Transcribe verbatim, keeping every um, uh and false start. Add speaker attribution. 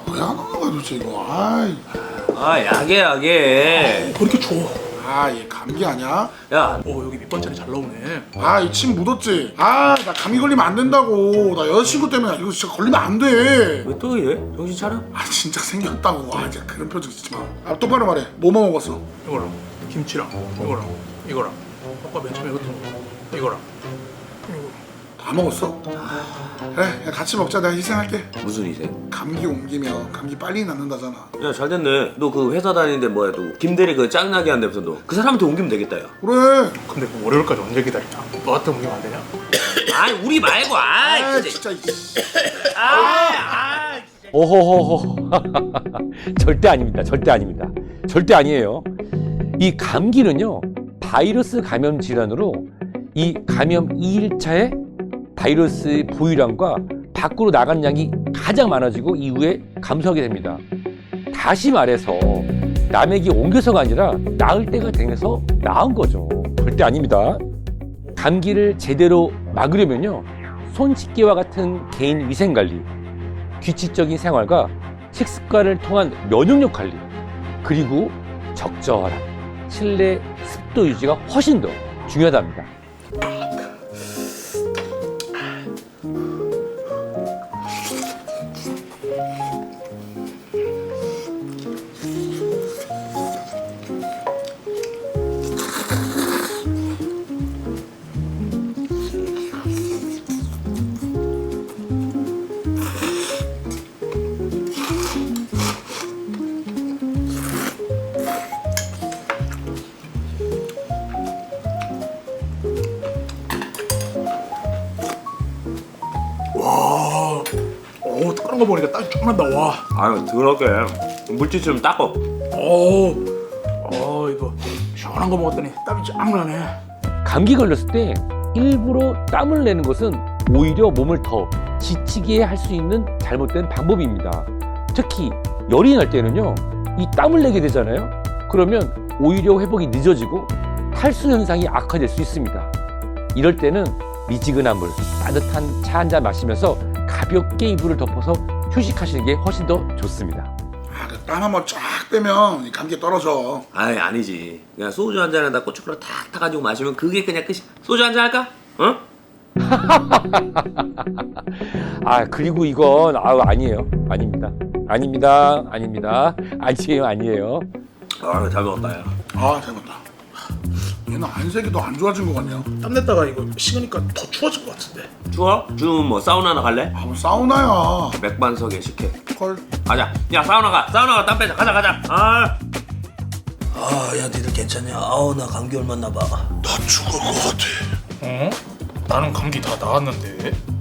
Speaker 1: 왜 안 오는 거야 도대체 이거. 아이.
Speaker 2: 아 약해 약해.
Speaker 3: 왜 이렇게 줘?
Speaker 1: 아, 얘 감기 아니야?
Speaker 2: 야
Speaker 3: 어 여기 밑반찬이 잘 나오네.
Speaker 1: 아, 이 침 묻었지? 아, 나 감기 걸리면 안 된다고. 나 여자친구 때문에 이거 진짜 걸리면 안 돼.
Speaker 2: 왜 또 이래? 정신 차려.
Speaker 1: 아, 진짜 생겼다고. 아, 진짜 그런 표정 짓지 마. 아, 똑바로 말해. 뭐만 먹었어?
Speaker 3: 이거랑 김치랑 이거랑 이거랑 아까 맨 처음에 이것도 먹어. 이거랑 이거.
Speaker 1: 다 먹었어? 그래, 야, 같이 먹자. 내가 희생할게.
Speaker 2: 무슨 희생?
Speaker 1: 감기 옮기면 감기 빨리 낫는다잖아.
Speaker 2: 야 잘됐네. 너 그 회사 다니는데 뭐야 또 김대리 그 짱나게 한다면서 너 그 사람한테 옮기면 되겠다 야.
Speaker 1: 그래.
Speaker 3: 근데 그 월요일까지 언제 기다리냐? 너한테 옮기면 안 되냐?
Speaker 2: 아이 우리 말고 아이
Speaker 1: 아,
Speaker 2: 진짜.
Speaker 1: 진짜.
Speaker 2: 아이 아이.
Speaker 4: 오호호호. 절대 아닙니다. 절대 아닙니다. 절대 아니에요. 이 감기는요, 바이러스 감염 질환으로 이 감염 이 일차에 바이러스의 보유량과 밖으로 나간 양이 가장 많아지고 이후에 감소하게 됩니다. 다시 말해서 남에게 옮겨서가 아니라 나을 때가 되면서 나은 거죠. 절대 아닙니다. 감기를 제대로 막으려면요, 손 씻기와 같은 개인 위생 관리, 규칙적인 생활과 식습관을 통한 면역력 관리, 그리고 적절한 실내 습도 유지가 훨씬 더 중요하답니다.
Speaker 3: 와, 오 끓는 거 보니까 땀이 쫙 난다. 와,
Speaker 2: 아유 더럽게 물질 좀 닦어.
Speaker 3: 오, 어 이거 시원한 거 먹었더니 땀이 쫙 나네.
Speaker 4: 감기 걸렸을 때 일부러 땀을 내는 것은 오히려 몸을 더 지치게 할 수 있는 잘못된 방법입니다. 특히 열이 날 때는요, 이 땀을 내게 되잖아요. 그러면 오히려 회복이 늦어지고 탈수 현상이 악화될 수 있습니다. 이럴 때는 미지근한 물, 따뜻한 차 한 잔 마시면서 가볍게 이불을 덮어서 휴식하시는 게 훨씬 더 좋습니다.
Speaker 1: 아, 그 땀 한번 쫙 빼면 이 감기 떨어져.
Speaker 2: 아이 아니지. 그냥 소주 한 잔에다 고춧가루 탁 타가지고 마시면 그게 그냥 끝이. 소주 한 잔 할까? 어?
Speaker 4: 아, 그리고 이건 아우 아니에요. 아닙니다. 아닙니다. 아닙니다. 아니에요. 아니에요.
Speaker 2: 아유 잘 먹었다 야.
Speaker 1: 아, 잘 먹다. 얘는 안색이 더 안 좋아진 것 같냐?
Speaker 3: 땀 냈다가 이거 식으니까 더 추워질 것 같은데.
Speaker 2: 추워? 좀 뭐 사우나나 갈래?
Speaker 1: 아, 뭐 사우나야.
Speaker 2: 맥반석에 식혜.
Speaker 1: 헐.
Speaker 2: 가자. 야 사우나 가. 사우나 가. 땀 빼자. 가자 가자. 아.
Speaker 5: 아, 야, 니들 괜찮냐? 아우, 나 감기 옮았나 봐.
Speaker 1: 나 죽을 것 같아.
Speaker 3: 어? 나는 감기 다 나았는데.